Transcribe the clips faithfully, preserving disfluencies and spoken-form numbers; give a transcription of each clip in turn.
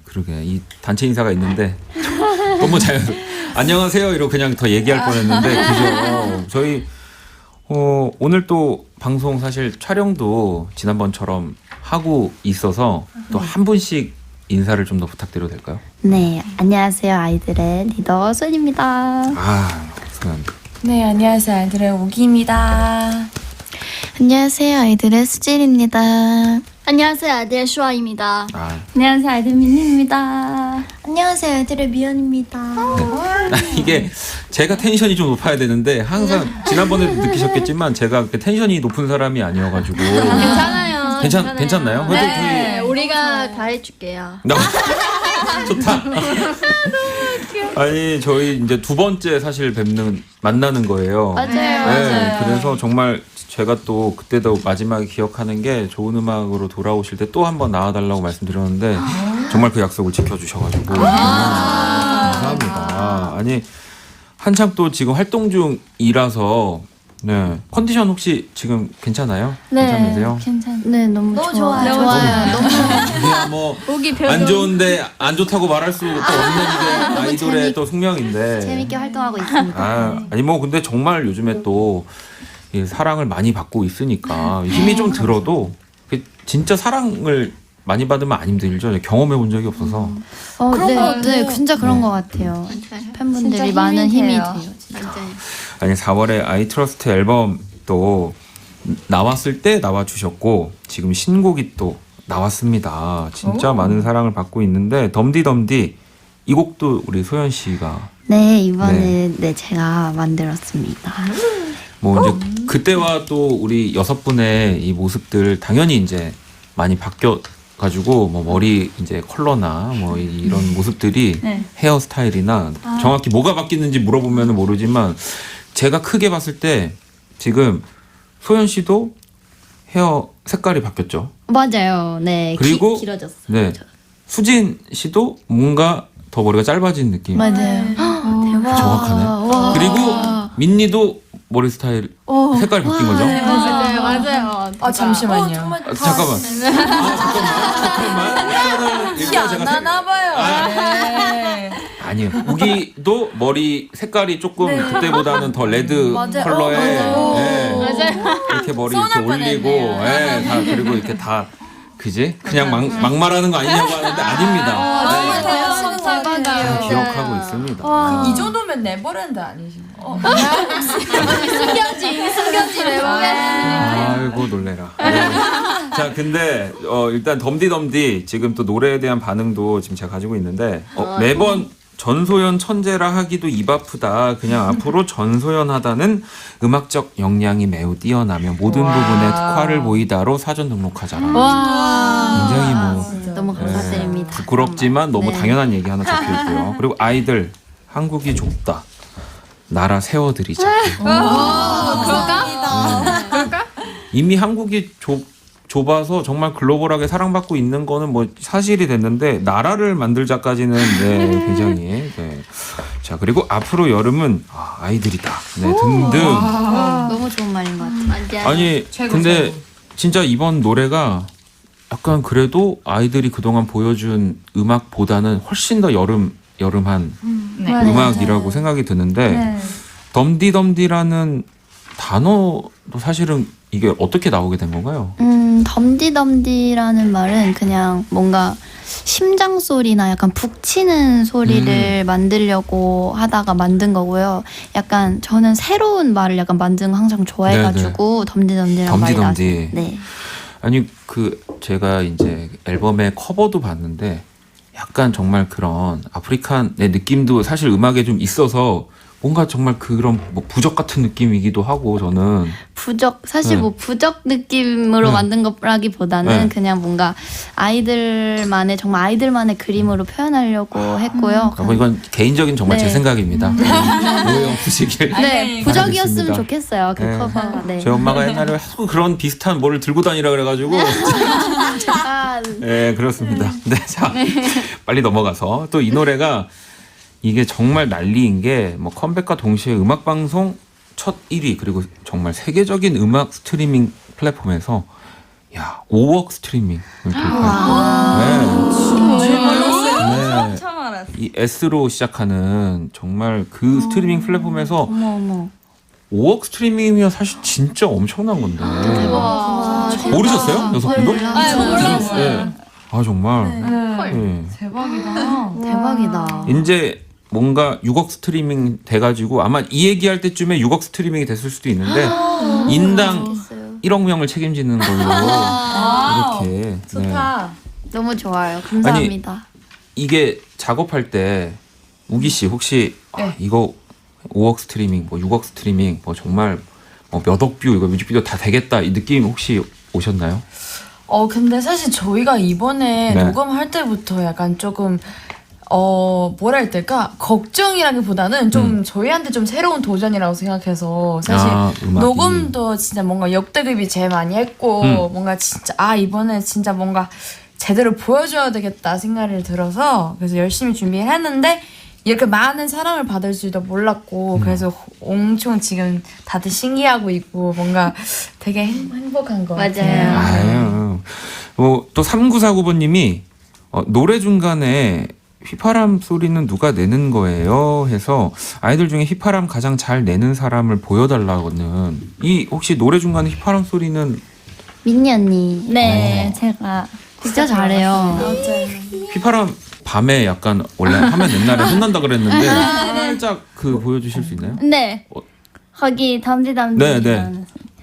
그러게 이 단체 인사가 있는데 너무 자연. 안녕하세요 이러고 그냥 더 얘기할 뻔했는데 그죠. 저희 어, 오늘 또 방송 사실 촬영도 지난번처럼 하고 있어서 또 한 분씩 인사를 좀 더 부탁드려도 될까요? 네, 안녕하세요. 아이들의 리더 소연입니다. 아, 소연. 네, 안녕하세요. 아이들의 오기입니다. 안녕하세요. 아이들의 수진입니다. 안녕하세요. 아이들의 슈아입니다. 아, 안녕하세요. 아이들 민니입니다. 안녕하세요. 아이들의 미연입니다. 네. 이게 제가 텐션이 좀 높아야 되는데 항상 지난번에도 느끼셨겠지만 제가 그렇게 텐션이 높은 사람이 아니어가지고 괜찮아요. 괜찮 괜찮나요? 그래도 네, 우리가 다 해줄게요. 나 좋다. 아니 저희 이제 두 번째 사실 뵙는 만나는 거예요. 맞아요. 네, 맞아요. 그래서 정말 제가 또 그때도 마지막에 기억하는 게 좋은 음악으로 돌아오실 때 또 한 번 나와달라고 말씀드렸는데 정말 그 약속을 지켜주셔가지고 감사합니다. 아니 한창 또 지금 활동 중이라서 네 컨디션 혹시 지금 괜찮아요? 괜찮으세요? 괜찮. 네, 너무, 너무 좋아. 좋아요. 좋아요. 너무 그냥 뭐 오기 안 좋은데 안 좋다고 말할 수 또 없는 게 아이돌의 재밌- 또 숙명인데. 재밌게 활동하고 있습니다. 아, 아니 뭐 근데 정말 요즘에 또 이 사랑을 많이 받고 있으니까 힘이 좀 들어도 그 진짜 사랑을 많이 받으면 안 힘들죠. 경험해 본 적이 없어서. 어, 그런 네, 것 같아요. 네, 진짜 그런 네. 것 같아요. 맞아요. 팬분들이 진짜 힘이 많은 힘이 돼요. 돼요. 진짜. 맞아요. 아니 사월에 아이트러스트 앨범 또 나왔을 때 나와 주셨고 지금 신곡이 또 나왔습니다. 진짜 오. 많은 사랑을 받고 있는데 덤디덤디 이 곡도 우리 소연 씨가 네, 이번에 네. 제가 만들었습니다. 뭐 이제 그때와 또 우리 여섯 분의 이 모습들 당연히 이제 많이 바뀌어 가지고 뭐 머리 이제 컬러나 뭐 이- 이런 모습들이 네. 헤어스타일이나 정확히 뭐가 바뀌는지 물어보면 모르지만 제가 크게 봤을 때 지금 소연 씨도 헤어 색깔이 바뀌었죠. 맞아요. 네, 그리고 기, 길어졌어요. 네. 수진 씨도 뭔가 더 머리가 짧아진 느낌. 맞아요. 대박. 정확하네. 와. 그리고 민니도 머리 스타일 색깔이 바뀐 거죠. 맞아요. 맞아요. 아, 잠시만요. 어, 정말 아, 잠깐만. 아, 잠깐만. 잠깐만. 일단은 일단 제가 안 색- 하나 봐요. 네. 아니요. 우기도 머리 색깔이 조금 그때보다는 더 레드 맞아요. 컬러에 어, 맞아요. 예, 맞아요. 이렇게 머리 이렇게 서운할 올리고 뻔했네요. 예, 다 그리고 이렇게 다 그지? 그냥 막, 막말하는 거 아니냐고 하는데 아닙니다. 너무 네. 대단한 것 다 같아요. 기억하고 있습니다. 이 정도면 네버랜드 아니신 거? 숨겨진 숨겨진 앨범에 아이고 놀래라. 네. 자 근데 어, 일단 덤디덤디 지금 또 노래에 대한 반응도 지금 제가 가지고 있는데 어, 매번 전소연 천재라 하기도 입 아프다. 그냥 앞으로 전소연 하다는 음악적 역량이 매우 뛰어나며 모든 와. 부분에 특화를 보이다로 사전 등록하자라. 와. 굉장히 뭐 진짜. 너무 감사드립니다. 부끄럽지만 너무 네. 당연한 얘기 하나 적혀 있고요. 그리고 아이들 한국이 좁다. 나라 세워드리자. 그럴까? 이미 한국이 좁, 좁아서 정말 글로벌하게 사랑받고 있는 거는 뭐 사실이 됐는데 나라를 만들자까지는 네, 굉장히 네. 자 그리고 앞으로 여름은 아, 아이들이다 네, 등등 너무 좋은 말인 것 같아요. 맞아요. 아니 최고, 근데 최고. 진짜 이번 노래가 약간 그래도 아이들이 그동안 보여준 음악보다는 훨씬 더 여름 여름한 네. 맞아요. 음악이라고 생각이 드는데 네. 덤디덤디라는 단어도 사실은 이게 어떻게 나오게 된 건가요? 음, 덤디덤디라는 말은 그냥 뭔가 심장 소리나 약간 북치는 소리를 만들려고 하다가 만든 거고요. 약간 저는 새로운 말을 약간 만드는 거 항상 좋아해가지고 덤디덤디라는 말이 덤디덤디. 나왔어요. 네. 아니 그 제가 이제 앨범의 커버도 봤는데 약간 정말 그런 아프리칸의 느낌도 사실 음악에 좀 있어서 뭔가 정말 그런 뭐 부적 같은 느낌이기도 하고 저는 부적 사실 네. 뭐 부적 느낌으로 네. 만든 거라기보다는 네. 그냥 뭔가 아이들만의 정말 아이들만의 그림으로 표현하려고 했고요. 아, 뭐 이건 개인적인 정말 제 네. 생각입니다. 오해 없으시길. 아니, 네, 부적이었으면 알겠습니다. 좋겠어요. 그 네. 커버가. 네. 제 엄마가 옛날에 하도 그런 비슷한 뭐를 들고 다니라 그래가지고 아, 네 그렇습니다. 네, 자 빨리 넘어가서 또 이 노래가 이게 정말 난리인 게 뭐 컴백과 동시에 음악 방송 첫 일 위 그리고 정말 세계적인 음악 스트리밍 플랫폼에서 야 오억 스트리밍을 돌파. 네. 정말 네. 처음 알았어. 이 S로 시작하는 정말 그 스트리밍 플랫폼에서 어머 어머. 오억 스트리밍이면 사실 진짜 엄청난 건데. 와. 모르셨어요? 여섯 분도? 아, 몰랐어요. 네. 아 정말. 네. 네. 대박이다. 대박이다. 이제 뭔가 육억 스트리밍 돼가지고 아마 이 얘기할 때쯤에 육억 스트리밍이 됐을 수도 있는데 인당 좋겠어요. 일억 명을 책임지는 걸로 와우. 이렇게. 네. 좋다. 너무 좋아요. 감사합니다. 이게 작업할 때 우기 씨 혹시 아, 네. 이거 오억 스트리밍, 뭐 육억 스트리밍, 뭐 정말 뭐 몇억 뷰 이거 뮤직비디오 다 되겠다 이 느낌 혹시 오셨나요? 어 근데 사실 저희가 이번에 네. 녹음할 때부터 약간 조금 어 뭐라 해야 될까 걱정이라기보다는 좀 음. 저희한테 좀 새로운 도전이라고 생각해서 사실 아, 음악이. 녹음도 진짜 뭔가 역대급이 제일 많이 했고 음. 뭔가 진짜 아 이번에 진짜 뭔가 제대로 보여줘야 되겠다 생각이 들어서 그래서 열심히 준비를 했는데 이렇게 많은 사랑을 받을 줄도 몰랐고 음. 그래서 엄청 지금 다들 신기하고 있고 뭔가 되게 행, 행복한 것 맞아요. 같아요. 아유. 뭐, 또 삼구사구 번님이 어, 노래 중간에 휘파람 소리는 누가 내는 거예요? 해서 아이들 중에 휘파람 가장 잘 내는 사람을 보여달라고는 이 혹시 노래 중간에 휘파람 소리는 민니 언니. 네, 제가 진짜 잘해요. 휘파람 밤에 약간 원래 하면 옛날에 혼난다 그랬는데 살짝 그 보여주실 수 있나요? 네. 어. 거기 담지 담지. 네, 네.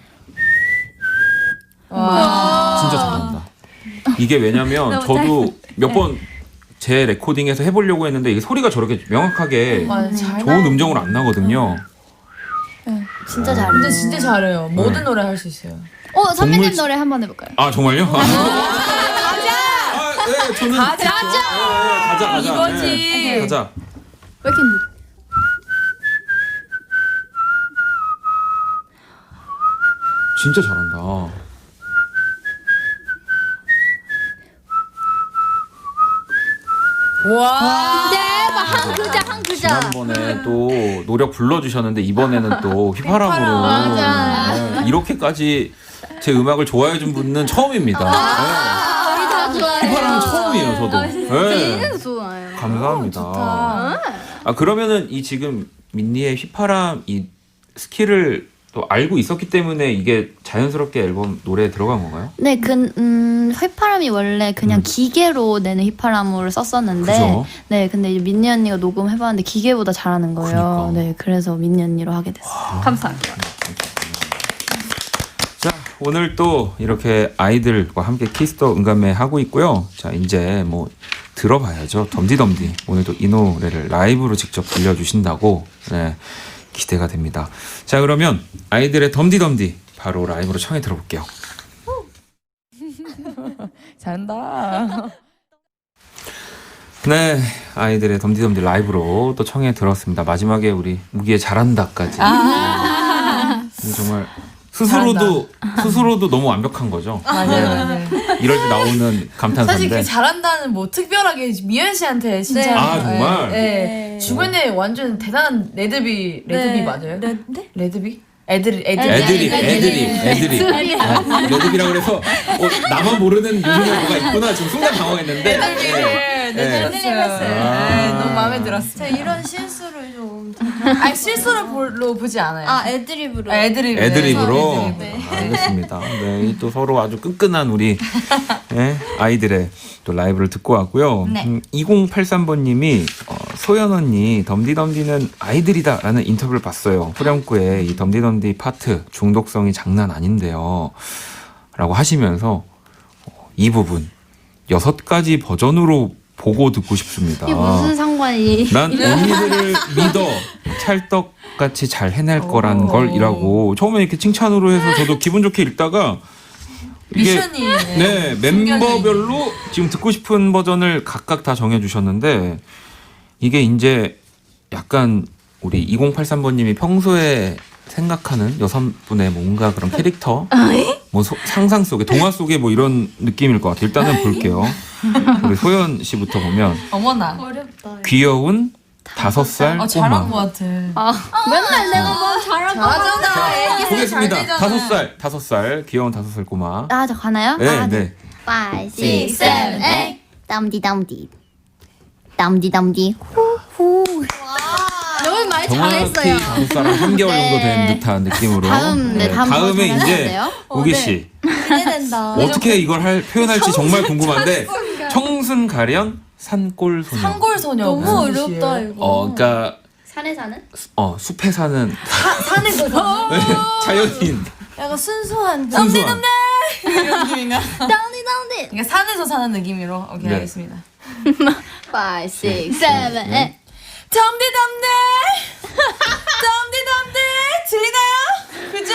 와. 진짜 잘한다. 이게 왜냐면 저도 몇 번 제 레코딩에서 해보려고 했는데 이게 소리가 저렇게 명확하게 맞아, 잘 좋은 음정으로 안 나거든요. 진짜 잘해요. 근데 진짜 잘해요. 모든 네. 노래 할 수 있어요. 어, 선배님 동물- 노래 한번 해볼까요? 아 정말요? 가자. 아, 네, 저는 가자! 네, 네, 가자 가자. 이거지. 네, 가자. 왜 이렇게 늦- 진짜 잘한다. 와. 대박 한 글자 한 글자. 지난번에 또 노력 불러주셨는데 이번에는 또 휘파람으로 맞아. 네, 이렇게까지 제 음악을 좋아해준 분은 처음입니다. 우리 다 네. 좋아해요. 휘파람은 처음이에요, 저도. 네. 진짜 좋아요. 감사합니다. 좋다. 아 그러면은 이 지금 민니의 휘파람 이 스킬을 또 알고 있었기 때문에 이게 자연스럽게 앨범 노래에 들어간 건가요? 네, 그, 음, 휘파람이 원래 그냥 음. 기계로 내는 휘파람으로 썼었는데, 그죠? 네, 근데 이제 민니 언니가 녹음해봤는데 기계보다 잘하는 거예요. 그니까. 네, 그래서 민니 언니로 하게 됐어요. 감사합니다. 자 오늘 또 이렇게 아이들과 함께 키스터 응감매 하고 있고요. 자 이제 뭐 들어봐야죠. 덤디덤디 오늘도 이 노래를 라이브로 직접 들려주신다고 네, 기대가 됩니다. 자 그러면 아이들의 덤디덤디 바로 라이브로 청해 들어볼게요. 잘한다. 네 아이들의 덤디덤디 라이브로 또 청해 들었습니다. 마지막에 우리 무기의 잘한다까지 네, 정말 스스로도 스스로도 너무 완벽한 거죠. 맞아요, 맞아요. 이럴 때 나오는 사실 그 감탄사인데 잘한다는 뭐 특별하게 미연 씨한테 진짜 네. 아, 정말? 네. 네. 주변에 완전 대단한 레드비 레드비 네. 맞아요? 네? 네? 레드비? 애들 애들 애드립, 애드립, 애드립. 아, 레드비라고 그래서 어, 나만 모르는 요즘에 뭐가 있구나 지금 순간 당황했는데. 애들비를 네. 내드렸어요. 아. 네, 너무 마음에 들었어요. 제가 이런 실수를 좀. 아니 실수로 볼로 보지 않아요. 아, 애드립으로. 아, 애드립. 애드립으로. 네. 아, 알겠습니다. 네, 이또 서로 아주 끈끈한 우리 예, 아이들의 또 라이브를 듣고 왔고요. 네. 음, 이공팔삼 번님이 어, 소연 언니 덤디덤디는 아이들이다라는 인터뷰를 봤어요. 후렴구에 이 덤디덤디 파트 중독성이 장난 아닌데요. 라고 하시면서 어, 이 부분 여섯 가지 버전으로 보고 듣고 싶습니다. 이게 무슨 상관이. 난 언니들을 믿어 찰떡같이 잘 해낼 거란 오. 걸 이라고 처음에 이렇게 칭찬으로 해서 저도 기분 좋게 읽다가 이게 미션이 네 멤버별로 지금 듣고 싶은 버전을 각각 다 정해주셨는데 이게 이제 약간 우리 이공팔삼 번님이 평소에 생각하는 여성분의 뭔가 그런 캐릭터 뭐 소- 상상 속에 동화 속에 뭐 이런 느낌일 것 같아요. 일단은 볼게요. 우리 소연 씨부터 보면 어머나. 어렵다. 귀여운 다섯 살 어 잘한 것 꼬마. 같아. 맨날 내가 뭐 잘할 거. 잘하잖아. 애기 잘 보겠습니다. 되잖아. 다섯 살 다섯 살 귀여운 다섯 살 꼬마. 아, 저 가나요? 네, 아, 네. five, six, seven, eight. 땀디 땀디. 담디 담디 후후. 너무 말 정확히 잘했어요. 한국 사람 삼 개월 정도 된 네. 듯한 느낌으로. 다음, 네, 다음 다음에 더 이제 잘하는데요? 우기 씨 기대된다. 어떻게 이걸 할 표현할지 정말 궁금한데 청순 가련 산골 소녀. 산골 소녀 너무 무슨 어렵다 뜻이에요? 이거. 어, 그러니까 산에 사는? 어 숲에 사는 산에서 사는 자연인. 약간 순수한 순수한. 이런 느낌인가? 담디 담디. 그러니까 산에서 사는 느낌으로 오케이 네. 알겠습니다. five, six, seven, eight. 덤디덤디 덤디덤디 들리나요? 그죠?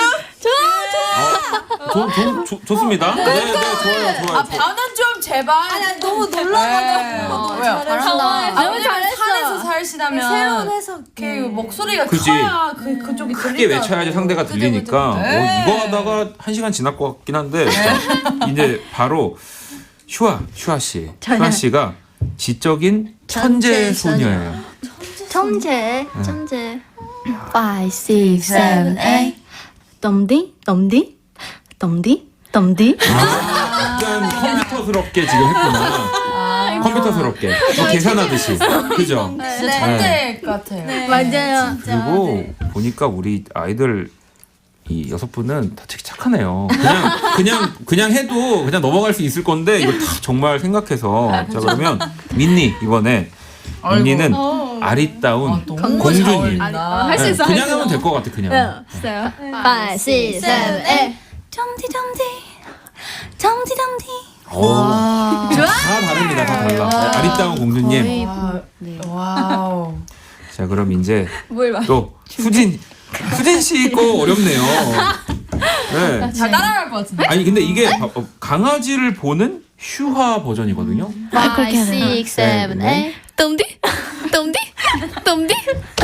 어, 좋, 좋, 좋습니다. 네, 네, 좋아요, 좋아요. 아 반은 좀 제발. 아니 너무 네. 놀라가지고 어, 너무 왜요? 잘했어. 아, 너무 왜냐면 잘했어. 산에서 살시다면 새로운 해석. 그 목소리가 그치. 커야 그 그쪽이 크게 들린다고. 외쳐야지 상대가 그죠, 들리니까 그죠. 어, 네. 이거 하다가 한 시간 지날 것 같긴 한데 이제 바로 슈아 슈아 씨 슈아 씨가 지적인 천재 천재 소녀예요. 천재, 천재. five, six, seven, eight. 덤디 덤디 덤디 덤디 아, 약간 컴퓨터스럽게 지금 했구나. 컴퓨터스럽게 뭐 계산하듯이 그죠? 진짜 천재 같아요. 맞아요. 그리고 보니까 우리 아이들 이 여섯 분은 다 되게 착하네요. 그냥 그냥 그냥 해도 그냥 넘어갈 수 있을 건데 이걸 다 정말 생각해서 자 그러면 민니 이번에 민니는 아리따운 아, 너무 잘 공주님. 어울린다. 할 수 있어, 그냥 할 수 하면 있어. 될 것 같아 그냥. 있어요. five, six, seven, eight. 덤디 덤디 덤디 덤디 오, 다 다릅니다. 다 달라. 네, 아리따운 공주님. 와, 와우. 자 그럼 이제 뭘 말? 또 수진 수진 씨 거 어렵네요. 네. 잘 따라갈 것 같은데. 아니 근데 이게 바- 어, 강아지를 보는 슈화 버전이거든요. five, six, seven, 네. eight. 덤디 덤디 덤디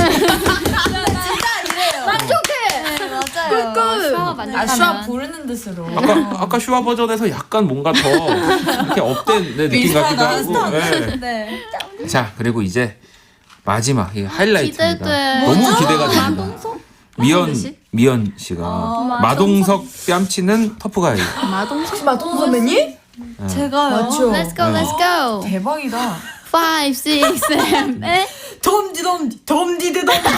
맞아요. 아 슈아 부르는 듯으로. 아까 아까 슈화 버전에서 약간 뭔가 더 이렇게 업된 네, 느낌 같기도 하고. 네. 네. 자 그리고 이제 마지막 이 하이라이트입니다. 기대돼. 너무 기대가 됩니다. 미연 미연 씨가 마동석 뺨치는 터프가이. 혹시 마동 선배님? 제가요. 맞죠? Let's go, let's go. 대박이다. five, six, seven, eight. 덤디 덤디 덤디드 덤디.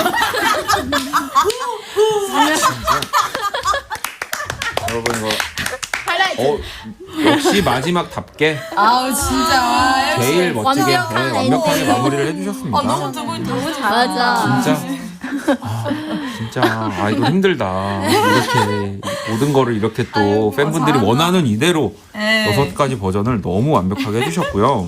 여러분 이거 어, 역시 마지막답게 아우 진짜 와, 역시. 제일 멋지게 완벽한 네, 완벽하게 엔딩. 마무리를 해주셨습니다. 아 너무 두 분 너무 잘. 맞아. 진짜 아, 진짜 아 이거 힘들다. 이렇게 모든 거를 이렇게 또 팬분들이 잘한다. 원하는 이대로 네. 여섯 가지 버전을 너무 완벽하게 해주셨고요.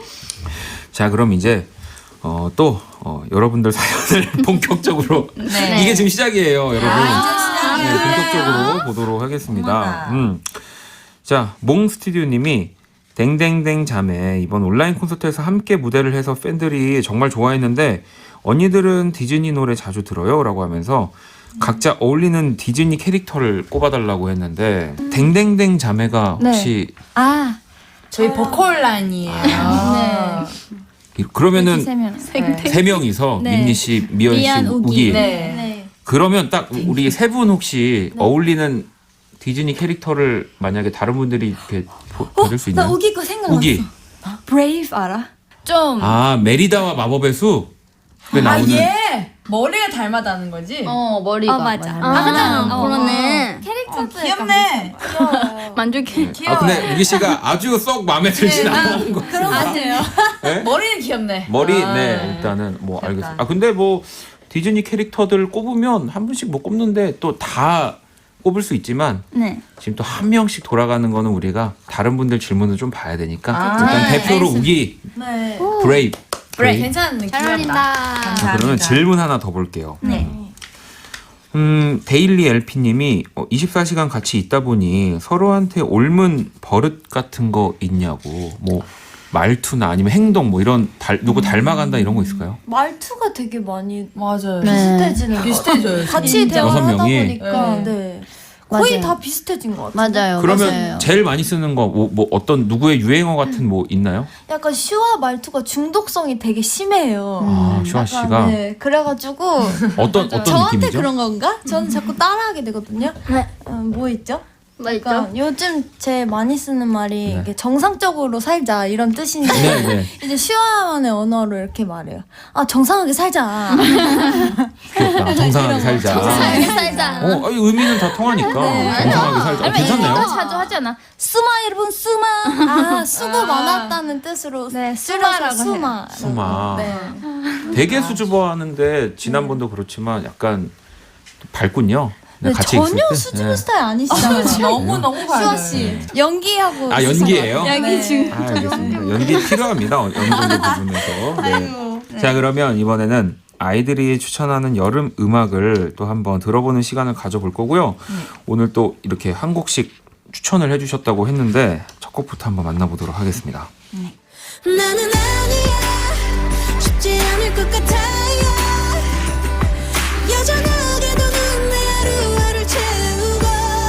자 그럼 이제 어, 또 어, 여러분들 사연을 본격적으로 네. 이게 지금 시작이에요, 여러분. 아, 네, 본격적으로 보도록 하겠습니다. 어머나. 음. 자, 몽 스튜디오님이 댕댕댕 자매 이번 온라인 콘서트에서 함께 무대를 해서 팬들이 정말 좋아했는데 언니들은 디즈니 노래 자주 들어요라고 하면서 각자 어울리는 디즈니 캐릭터를 꼽아달라고 했는데 댕댕댕 자매가 혹시 아, 저희 보컬 라인이에요. 네. 이- 그러면은 세 명. 세 명이서 네. 민니 씨, 미연 씨, 미안, 우기. 우기. 네. 네. 그러면 딱 우리 세 분 혹시 어울리는 디즈니 캐릭터를 만약에 다른 분들이 이렇게 보, 받을 수 나 있나요? 우기 거 생각났어. 우기. 브레이브 알아? 좀. 아 메리다와 마법의 숲에 아 나오는. 얘 머리가 닮았다는 거지. 어, 머리가. 어, 맞아. 맞아. 아, 그러네. 어, 귀엽네. 만족해. 귀여워. 아 근데 우기 씨가 아주 썩 마음에 들진 않는 거. 그런 거 같아요. 네? 머리는 귀엽네. 머리 아. 네 일단은 뭐 됐다. 알겠습니다. 아 근데 뭐 디즈니 캐릭터들 꼽으면 한 분씩 못 꼽는데 또 다 꼽을 수 있지만 네. 지금 또 한 명씩 돌아가는 거는 우리가 다른 분들 질문을 좀 봐야 되니까 아, 일단 네. 대표로 우기 네. 브레이브. 그래 괜찮은 느낌. 잘 어울린다. 자, 그러면 질문 하나 더 볼게요. 네. 음, 데일리 엘피님이 어, 이십사 시간 같이 있다 보니 서로한테 옮은 버릇 같은 거 있냐고. 뭐 말투나 아니면 행동 뭐 이런 달, 누구 닮아간다 이런 거 있을까요? 말투가 되게 많이 맞아요. 네. 비슷해지는 거. 비슷해져요. 같이 진짜. 대화를 여섯 하다 명이? 보니까 네. 네. 거의 맞아요. 다 비슷해진 것 같아요. 맞아요. 그러면 맞아요. 제일 많이 쓰는 거 뭐 뭐 어떤 누구의 유행어 같은 뭐 있나요? 약간 슈아 말투가 중독성이 되게 심해요. 아, 슈아 약간, 씨가 네. 그래가지고 어떤 어떤 저한테 느낌이죠? 그런 건가? 저는 자꾸 따라하게 되거든요. 네. 음, 뭐 있죠? 맞죠? 그러니까 요즘 제일 많이 쓰는 말이 네. 이게 정상적으로 살자 이런 뜻인데 네, 네. 이제 슈아만의 언어로 이렇게 말해요. 아 정상하게 살자. 귀엽다. 정상하게 살자. 정상하게 살자. 어, 아니, 의미는 다 통하니까 정상하게 살자. 어, 아니면 괜찮네요. 이거 자주 하잖아. 수마 여러분 수마. 아 수고 많았다는 뜻으로 네, 줄여서 수마라고 수마. 수마. 네. 되게 수줍어하는데 지난번도 그렇지만 약간 밝군요. 네, 같이 전혀 있을 때. 수줍은 네. 스타일 아니시잖아요. 너무 너무 수아 밝아요. 씨 연기하고 아, 연기예요? 연기 네. 중. 아, 알겠습니다. 연기 필요합니다. 어느 정도 부분에서. 네. 자, 그러면 이번에는 아이들이 추천하는 여름 음악을 또 한번 들어보는 시간을 가져볼 거고요. 오늘 또 이렇게 한 곡씩 추천을 해주셨다고 했는데 첫 곡부터 한번 만나보도록 하겠습니다. 나는 아니야 쉽지 않을 것 같아요 여전하게도 넌 내 하루하루를 채우고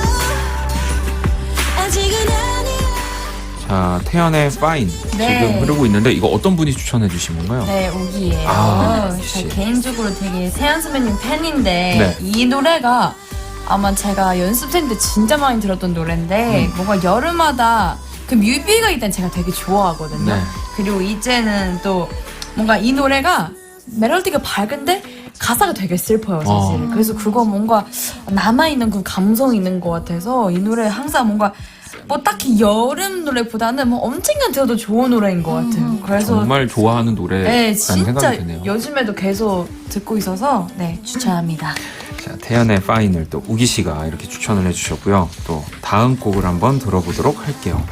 아직은 아니야 자, 태연의 Fine 네. 지금 흐르고 있는데 이거 어떤 분이 추천해 주신 건가요? 네, 우기예요. 아, 저 역시. 개인적으로 되게 세연 선배님 팬인데 네. 이 노래가 아마 제가 연습생 때 진짜 많이 들었던 노래인데 음. 뭔가 여름마다 그 뮤비가 일단 제가 되게 좋아하거든요. 네. 그리고 이제는 또 뭔가 이 노래가 멜로디가 밝은데 가사가 되게 슬퍼요, 사실. 어. 그래서 그거 뭔가 남아있는 그 감성이 있는 것 같아서 이 노래 항상 뭔가 뭐 딱히 여름 노래보다는 뭐 언젠가 들어도 좋은 노래인 것 같아요. 그래서 정말 좋아하는 노래라는 네, 생각이 진짜 드네요. 요즘에도 계속 듣고 있어서 네, 추천합니다. 자, 태연의 Fine을 또 우기 씨가 이렇게 추천을 해주셨고요. 또 다음 곡을 한번 들어보도록 할게요.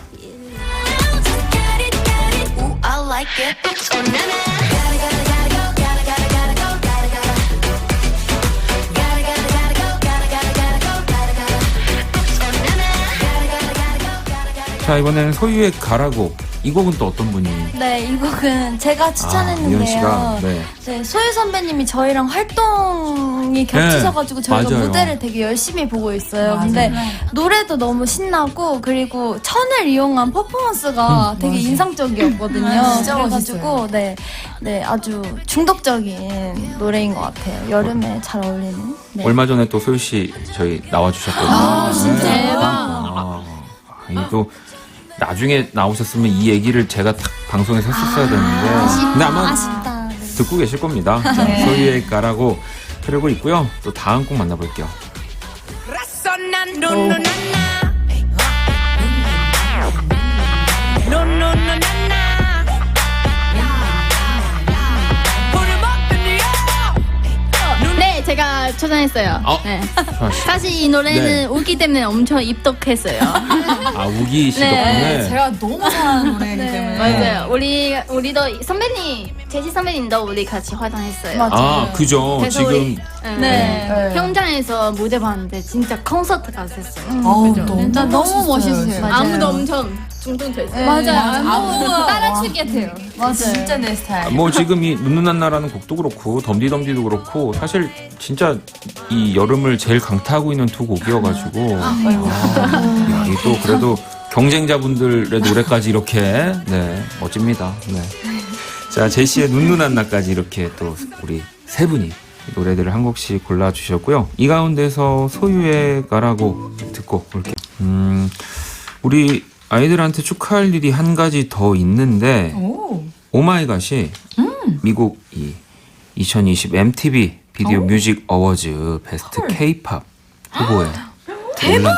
Ooh, I like it oh, na, na. Gotta, gotta, gotta go, gotta, gotta, gotta go, gotta, gotta. Gotta, gotta, gotta go, gotta, gotta, gotta go, gotta, gotta. Oh, na, na. Gotta, gotta, gotta go, gotta, gotta. 자, 이번에는 소유의 가라고. 이 곡은 또 어떤 분이? 네, 이 곡은 제가 아, 추천했는데요. 미연 씨가. 네. 네, 소유 선배님이 저희랑 활동이 겹치셔가지고 저희가 맞아요. 무대를 되게 열심히 보고 있어요. 맞아요. 근데 노래도 너무 신나고 그리고 천을 이용한 퍼포먼스가 되게 인상적이었거든요. 아, 진짜 그래가지고 멋있어요. 네, 네 아주 중독적인 노래인 것 같아요. 여름에 잘 어울리는. 네. 얼마 전에 또 소유 씨 저희 나와주셨거든요. 아, 진짜? 네. 대박. 아, 아니, 또 나중에 나오셨으면 이 얘기를 제가 딱 방송에서 했었어야 되는데. 근데 아마 아쉽다. 네. 듣고 계실 겁니다. 자, 소유의 가라고 흐르고 있고요. 또 다음 곡 만나볼게요. 네, 제가 추천했어요. 어? 네. 수아 씨. 사실 이 노래는 네. 우기 때문에 엄청 입덕했어요. 아, 우기 씨 네. 덕분에. 제가 너무 사랑하는 노래이기 때문에 맞아요. 우리 우리도 선배님 제시 선배님도 우리 같이 활동했어요. 아, 그죠. 그래서 지금. 우리 네. 네. 현장에서 무대 봤는데 진짜 콘서트 같았어요. 어우, 그죠? 너무 진짜 너무 멋있어요. 맞아요. 아무도 엄청 중독됐어요. 맞아요. 아무도 따라추게 돼요. 맞아요. 진짜 내 스타일. 뭐 지금 이 눈누난나라는 곡도 그렇고 덤디덤디도 그렇고 사실 진짜 이 여름을 제일 강타하고 있는 두 곡이어가지고 아, 이 또 그래도 경쟁자분들의 노래까지 이렇게 네 멋집니다. 네. 자 제시의 눈누난나까지 이렇게 또 우리 세 분이 노래들을 한 곡씩 골라주셨고요. 이 가운데서 소유의 가라고 듣고 올게요. 음 우리 아이들한테 축하할 일이 한 가지 더 있는데 오. 오마이갓이 미국 이 이천이십 엠티비 비디오 뮤직 어워즈 베스트 K-팝 후보에 대박!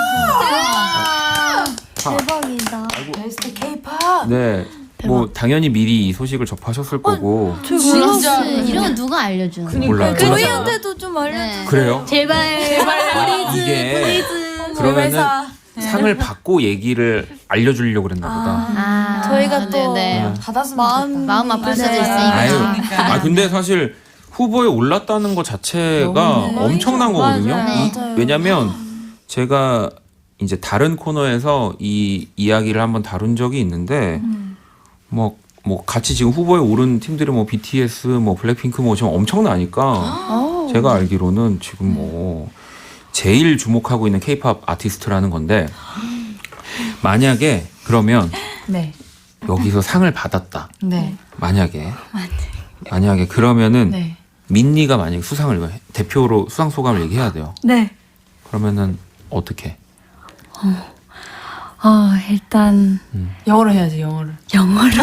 대박이다. 베스트 K-팝. 네, 뭐 당연히 미리 이 소식을 접하셨을 거고 저 진짜. 몰랐어요. 이런 거 누가 알려주는? 몰라요. 저희한테도 좀 알려주세요. 네. 그래요? 제발 아, 이게 그러면은 상을 받고 얘기를 알려주려고 그랬나 보다. 아, 저희가 또 네네. 받았으면 마음- 좋겠다. 마음 아플 수도 네. 있으니까. 아유, 그러니까. 아 근데 사실 후보에 올랐다는 것 자체가 너무 엄청난 거거든요. 맞아요. 이- 맞아요. 왜냐면 제가 이제 다른 코너에서 이 이야기를 한번 다룬 적이 있는데 뭐, 뭐 같이 지금 후보에 오른 팀들이 뭐 비티에스, 뭐 블랙핑크 뭐 지금 엄청나니까 제가 알기로는 지금 뭐 제일 주목하고 있는 케이팝 아티스트라는 건데 만약에 그러면 네. 여기서 상을 받았다. 네. 만약에 만약에 그러면은 네. 민니가 만약에 수상을 대표로 수상 소감을 얘기해야 돼요. 네. 그러면은 어떻게? 어, 일단 영어로 해야지 영어를. 영어로.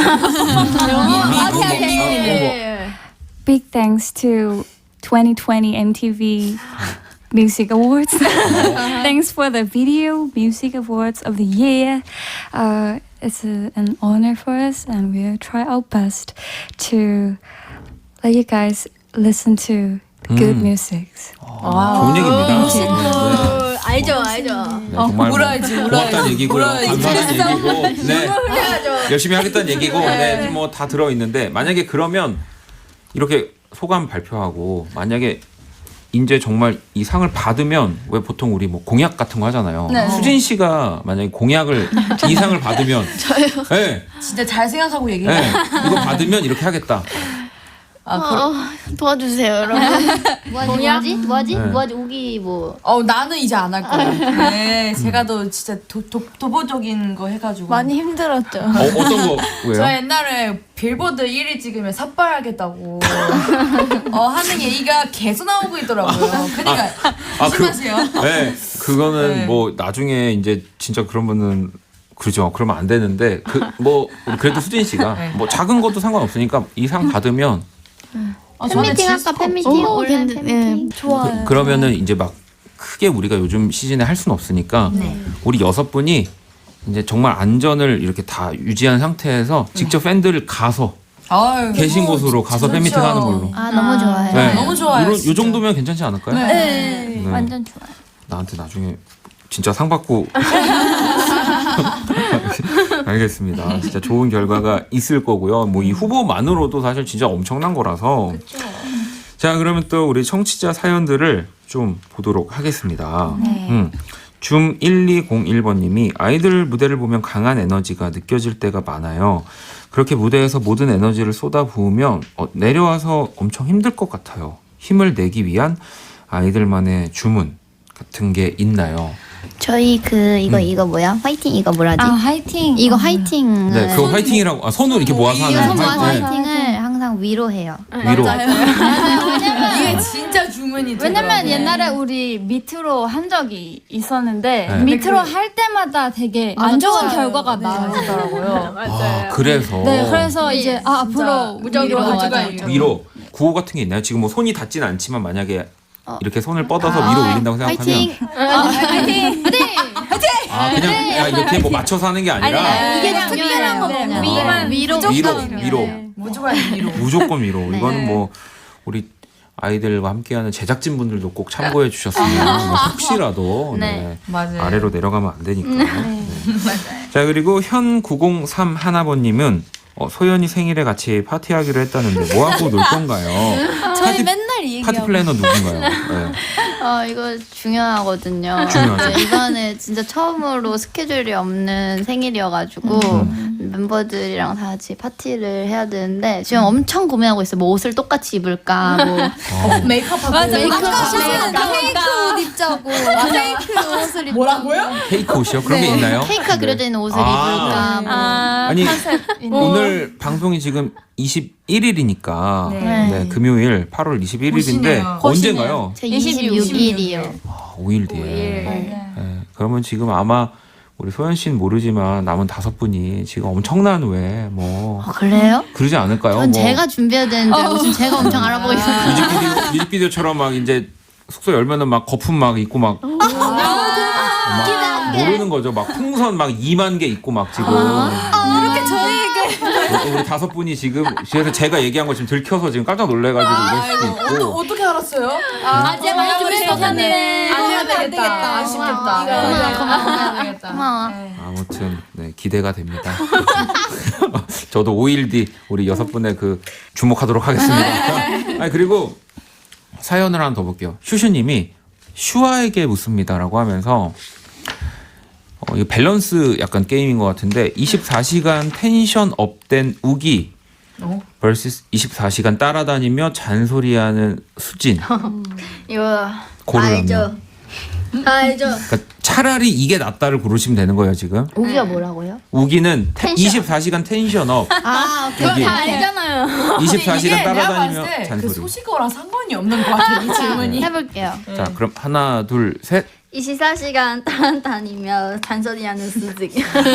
네. Big thanks to twenty twenty M T V Music Awards. Thanks for the Video Music Awards of the Year. Uh, it's a, an honor for us, and we'll try our best to let you guys listen to the good 음. music. 좋은 얘기입니다. 네. 알죠, 알죠. 네, 정말 뭐 울어야지, 울어야지. 고맙다는 얘기고요. 울어야지. 감사한 얘기고, 네. 열심히 하겠다는 얘기고, 네, 뭐 다 들어 있는데 만약에 그러면 이렇게 소감 발표하고 만약에 이제 정말 이 상을 받으면 왜 보통 우리 뭐 공약 같은 거 하잖아요. 수진 씨가 만약에 공약을 이 상을 받으면 저요. 네, 진짜 잘 생각하고 얘기해. 네, 이거 받으면 이렇게 하겠다. 아, 그럼. 어, 도와주세요, 여러분. 뭐하지, 뭐하지? 뭐하지? 네. 뭐하지? 우기 뭐. 어 나는 이제 안 할 거예요. 네, 제가 더 진짜 도, 도, 도보적인 거 해가지고. 많이 힘들었죠. 어, 어떤 거 저 왜요? 옛날에 빌보드 일 위 찍으면 삭발하겠다고 어, 하는 얘기가 계속 나오고 있더라고요. 그러니까 아, 그- 조심하세요. 네, 그거는 네. 뭐 나중에 이제 진짜 그러면은 그죠. 그러면 안 되는데 그 뭐 그래도 수진 씨가 네. 뭐 작은 것도 상관없으니까 이 상 받으면 어, 저는 팬미팅 질 할까? 수가 팬미팅 없어. 온라인 괜찮- 팬미팅. 좋아요. 그러면은 이제 막 크게 우리가 요즘 시즌에 할 수는 없으니까 우리 여섯 분이 이제 정말 안전을 이렇게 다 유지한 상태에서 직접 팬들을 가서 아유, 계신 너무 곳으로 가서 좋죠. 팬미팅 하는 걸로. 아, 너무 좋아요. 네. 너무 좋아요, 이런, 요 진짜. 정도면 괜찮지 않을까요? 네, 네. 완전 좋아요. 나한테 나중에 진짜 상 받고 알겠습니다. 진짜 좋은 결과가 있을 거고요. 뭐 이 후보만으로도 사실 진짜 엄청난 거라서. 자, 그러면 또 우리 청취자 사연들을 좀 보도록 하겠습니다. 음. 줌 일이공일 번님이 아이들 무대를 보면 강한 에너지가 느껴질 때가 많아요. 그렇게 무대에서 모든 에너지를 쏟아부으면 어, 내려와서 엄청 힘들 것 같아요. 힘을 내기 위한 아이들만의 주문 같은 게 있나요? 저희 그 이거 이거 뭐야? 화이팅 이거 뭐라지? 아, 화이팅. 이거 어, 화이팅을 네, 그거 화이팅이라고 아, 손을 이렇게 모아서 하는 이거 손 모아서 화이팅. 화이팅을 항상 위로해요. 위로. 이게 진짜 주문이 왜냐면 되더라고요. 옛날에 우리 밑으로 한 적이 있었는데 네. 밑으로 할 때마다 되게 안 좋은 결과가 나오더라고요. 아, 그래서 네, 그래서 이제 아, 앞으로 무적으로 위로 가져가요. 하자. 위로 구호 같은 게 있나요? 지금 뭐 손이 닿진 않지만 만약에 이렇게 손을 뻗어서 위로 올린다고 생각하면 화이팅! 아 그냥 야, 이렇게 뭐 맞춰서 하는 게 아니라 이게 특별한 거 네, 그냥 위만 위로 위로 위로 무조건 위로. 무조건 위로 이거는 뭐 우리 아이들과 함께하는 제작진 분들도 꼭 참고해 주셨으면 뭐 혹시라도 네. 맞아요. 아래로 내려가면 안 되니까. 네. 자 그리고 현 구공삼 하나번님은 어, 소연이 생일에 같이 파티하기로 했다는데 뭐 하고 놀 건가요? 저희 파티, 맨날 이 파티 얘기하고 플래너 누군가요? 네. 어 이거 중요하거든요. 중요하죠. 네, 이번에 진짜 처음으로 스케줄이 없는 생일이어가지고 멤버들이랑 다 같이 파티를 해야 되는데 지금 엄청 고민하고 있어요. 뭐 옷을 똑같이 입을까, 뭐 어. 메이크업하고. 맞아, 메이크업 아까 하고 페이크 옷 입자고 페이크 옷을 입 뭐라고요? 케이크 옷이요? 그런 게 있나요? 케이크가 그려져 있는 옷을 아. 입을까, 뭐. 아, 아니, 컨셉 오늘 방송이 지금 이십일 일이니까 네. 네. 금요일 팔월 이십일일인데 거시네요. 언젠가요? 제 이십육 일이요. 아, 오 일 뒤에. 네. 그러면 지금 아마 우리 소연 씨는 모르지만 남은 다섯 분이 지금 엄청난 왜뭐 어, 그래요? 그러지 않을까요? 전 뭐 제가 준비해야 되는데 무슨 제가 엄청 알아보고 있어요. 뮤직비디오, 뮤직비디오처럼 막 이제 숙소 열면은 막 거품 막 있고 막, 막 모르는 거죠. 막 풍선 막 이만 개 있고 막 지금 이렇게 저희에게 우리 다섯 분이 지금 그래서 제가 얘기한 거 지금 들켜서 지금 깜짝 놀래가지고 이럴 수도 있고 어떻게 알았어요? 아, 제가 많이 준비했었는데 안 해야 되겠다. 아쉽겠다. 고마워, 고마워. 안 해야 되겠다. 고마워. 아무튼 네, 기대가 됩니다. 저도 오 일 뒤 우리 여섯 분의 그 주목하도록 하겠습니다. 아니, 그리고 사연을 하나 더 볼게요. 슈슈님이 슈아에게 묻습니다라고 하면서 어, 이 밸런스 약간 게임인 것 같은데 이십사 시간 텐션 업된 우기 어? vs 이십사 시간 따라다니며 잔소리하는 수진. 이거 고르라면. 알죠. 알죠. 그러니까 차라리 이게 낫다를 고르시면 되는 거예요 지금. 우기가 뭐라고요? 우기는 텐- 이십사 시간 텐션 업. 아, 오케이. 여기 다 알잖아요. 이십사 시간 이게 내가 따라다니며 봤을 때 그 잔소리. 소식어랑 상관이 없는 것 같아 이 질문이. 해볼게요. 자, 그럼 하나, 둘, 셋. 이십사 시간 따라 다니며 잔소리하는 수직.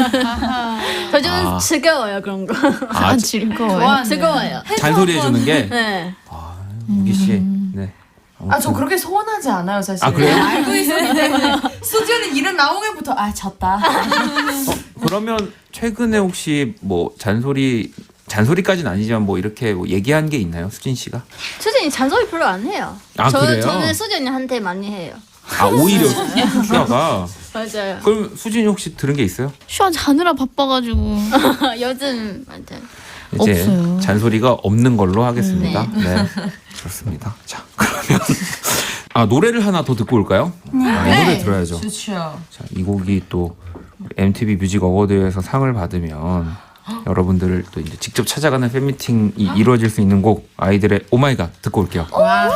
저 좀 아. 즐거워요 그런 거. 아, 좋아하네. 즐거워요. 잔소리 해주는 게 네. 우기 씨. 네. 아, 저 그렇게 소원하지 않아요, 사실. 아, 그래요? 알고 있었기 때문에. 수지는 이름 나오기부터, 아, 졌다. 그러면 최근에 혹시 뭐 잔소리 잔소리까지는 아니지만 뭐 이렇게 뭐 얘기한 게 있나요, 수진 씨가? 수진이 잔소리 별로 안 해요. 아, 저, 그래요? 저는 수진이한테 많이 해요. 아 오히려 슈아가. 맞아요. 그럼 수진이 혹시 들은 게 있어요? 슈아 자느라 바빠가지고 요즘 맞아요. 이제 없어요. 잔소리가 없는 걸로 하겠습니다. 네. 그렇습니다. 자, 그러면 아 노래를 하나 더 듣고 올까요? 아, 이 노래 들어야죠. 좋죠. 자, 이 곡이 또 엠티비 뮤직 어워드에서 상을 받으면 여러분들을 또 이제 직접 찾아가는 팬미팅이 이루어질 수 있는 곡 아이들의 오마이갓 듣고 올게요.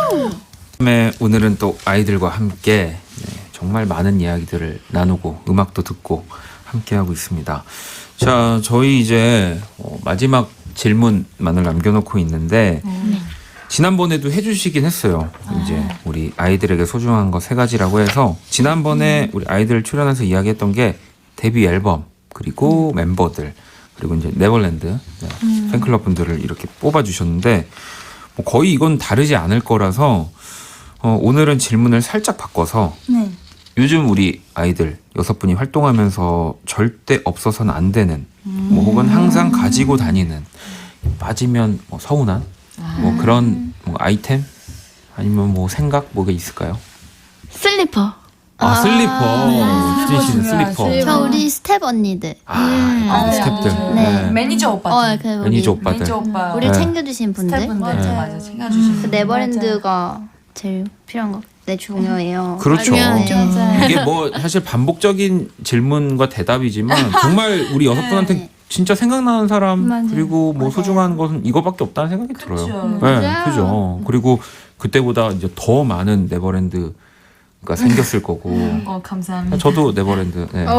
네, 오늘은 또 아이들과 함께 네, 정말 많은 이야기들을 나누고 음악도 듣고 함께하고 있습니다. 자, 저희 이제 어, 마지막 질문만을 남겨놓고 있는데 지난번에도 해주시긴 했어요. 이제 우리 아이들에게 소중한 거 세 가지라고 해서 지난번에 우리 아이들 출연해서 이야기했던 게 데뷔 앨범 그리고 멤버들 그리고 이제 네버랜드 네, 팬클럽 분들을 이렇게 뽑아주셨는데 뭐 거의 이건 다르지 않을 거라서 어, 오늘은 질문을 살짝 바꿔서 네. 요즘 우리 아이들 여섯 분이 활동하면서 절대 없어서는 안 되는 뭐 혹은 항상 가지고 다니는 빠지면 뭐 서운한 뭐 그런 뭐 아이템 아니면 뭐 생각 뭐가 있을까요? 슬리퍼. 아, 슬리퍼. 수진 씨는 슬리퍼. 슬리퍼. 저 우리 스텝 언니들. 아, 아, 스탭들. 네. 네. 매니저 오빠. 어, 그 우리 매니저 오빠들. 매니저 오빠. 우리 네. 챙겨주신 분들. 스태프분들. 맞아요. 맞아, 챙겨주시는. 그 네버랜드가 제일 필요한 거. 네, 중요해요. 그렇죠. 네. 이게 뭐 사실 반복적인 질문과 대답이지만 정말 우리 여섯 분한테 네. 진짜 생각나는 사람 맞아요. 그리고 뭐 맞아요. 소중한 것은 이거밖에 없다는 생각이 들어요. 그쵸. 네, 그죠. 그리고 그때보다 이제 더 많은 네버랜드가 생겼을 거고. 어, 감사합니다. 저도 네버랜드. 네.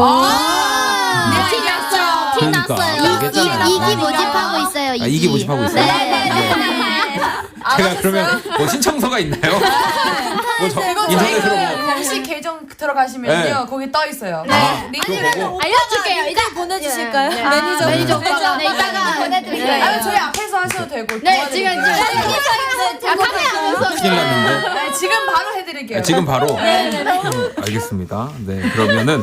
티 났죠? 티 그러니까, 났어요. 얘기했잖아. 이, 이기 모집하고 있어요. 이기. 아, 이기 모집하고 있어요? 네. 제가 그러면 뭐 신청서가 있나요? 뭐 저, 이거 인터넷으로 저희 뭐. 그 공식 계정 들어가시면요. 네. 거기 떠 있어요. 아, 링크 그거 보고. 알려줄게요. 이따 보내주실까요? 네. 매니저 매니저 오빠가 네, 이따가 보내드릴게요. 아니, 저희 앞에서 하셔도 되고. 네, 지금 지금 도와드릴게요. 아, 카메라 보면서 큰일 났는데. 네, 지금 바로 해드릴게요. 아, 지금 바로. 음, 알겠습니다. 네, 그러면은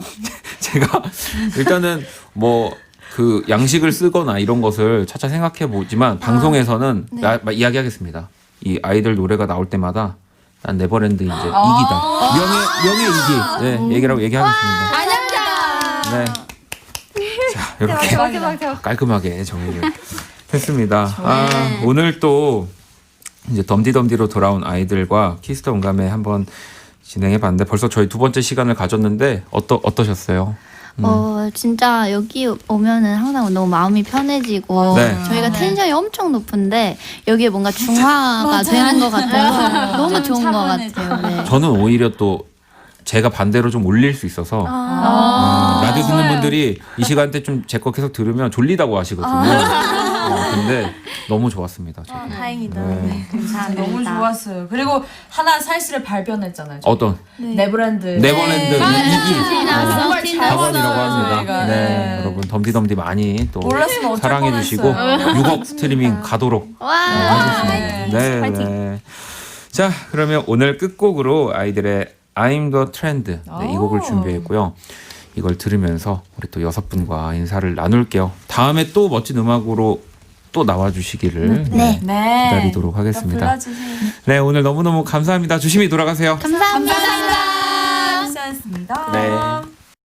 제가 일단은 뭐 그 양식을 쓰거나 이런 것을 차차 생각해 보지만 방송에서는 나- 마- 이야기하겠습니다. 이 아이들 노래가 나올 때마다 난 네버랜드 이제 이기다. 명예 명예 이기. 네, 얘기라고 얘기하겠습니다. 안녕하세요. 네. 자, 이렇게 깔끔하게 정리를 했습니다. 아, 오늘 또 이제 덤디덤디로 돌아온 아이들과 키스터 온감에 한번 진행해 봤는데 벌써 저희 두 번째 시간을 가졌는데 어떠 어떠셨어요? 어, 진짜 여기 오면은 항상 너무 마음이 편해지고 네. 저희가 텐션이 엄청 높은데 여기에 뭔가 중화가 되는 것 같아서 너무 좋은 것 같아요. 네. 저는 오히려 또 제가 반대로 좀 올릴 수 있어서 음, 라디오 듣는 분들이 이 시간대 좀 제 거 계속 들으면 졸리다고 하시거든요. 어, 근데 너무 좋았습니다. 저도. 다행이다. 네. 너무 좋았어요. 그리고 하나 사실을 발견했잖아요. 저희. 어떤 네버랜드. 네버랜드 이기 정말 잘 학원이라고 봤어요, 합니다. 저희가. 네, 네. 여러분 덤디덤디 많이 또 몰랐으면 어쩔 사랑해 뻔했어요. 주시고 육억 스트리밍 가도록 와. 하겠습니다. 네, 네. 자, 그러면 오늘 끝곡으로 아이들의 I'm the Trend 네, 이 곡을 준비했고요. 이걸 들으면서 우리 또 여섯 분과 인사를 나눌게요. 다음에 또 멋진 음악으로 또 나와주시기를 네. 네. 기다리도록 하겠습니다. 불러주세요. 네, 오늘 너무너무 감사합니다. 조심히 돌아가세요. 감사합니다. 감사합니다. 감사합니다. 네.